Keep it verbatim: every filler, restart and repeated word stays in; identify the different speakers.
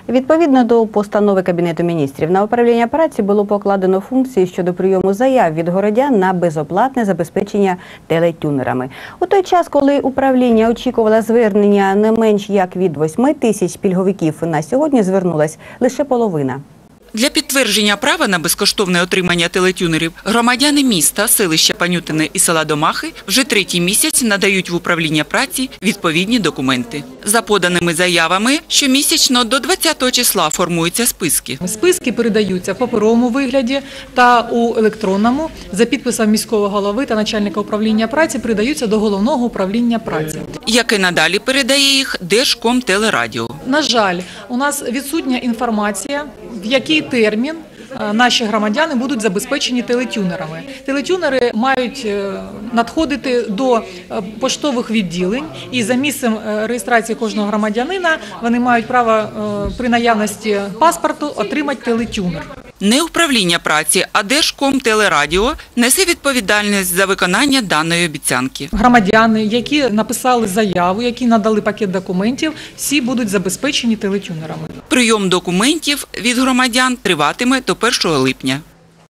Speaker 1: Відповідно до постанови Кабінету міністрів, на управління праці було покладено функції щодо прийому заяв від городян на безоплатне забезпечення телетюнерами. У той час, коли управління очікувало звернення не менш як від восьми тисяч пільговиків, на сьогодні звернулась лише половина.
Speaker 2: Для підтвердження права на безкоштовне отримання телетюнерів громадяни міста, селища Панютине і села Домахи вже третій місяць надають в управління праці відповідні документи. За поданими заявами, щомісячно до двадцятого числа формуються списки.
Speaker 3: Списки передаються в паперовому вигляді та у електронному. За підписом міського голови та начальника управління праці передаються до головного управління праці.
Speaker 2: Яке надалі передає їх Держкомтелерадіо.
Speaker 3: На жаль, у нас відсутня інформація, в який термін наші громадяни будуть забезпечені телетюнерами. Телетюнери мають надходити до поштових відділень і за місцем реєстрації кожного громадянина вони мають право при наявності паспорту отримати телетюнер.
Speaker 2: Не управління праці, а Держкомтелерадіо несе відповідальність за виконання даної обіцянки.
Speaker 3: Громадяни, які написали заяву, які надали пакет документів, всі будуть забезпечені телетюнерами.
Speaker 2: Прийом документів від громадян триватиме до першого липня.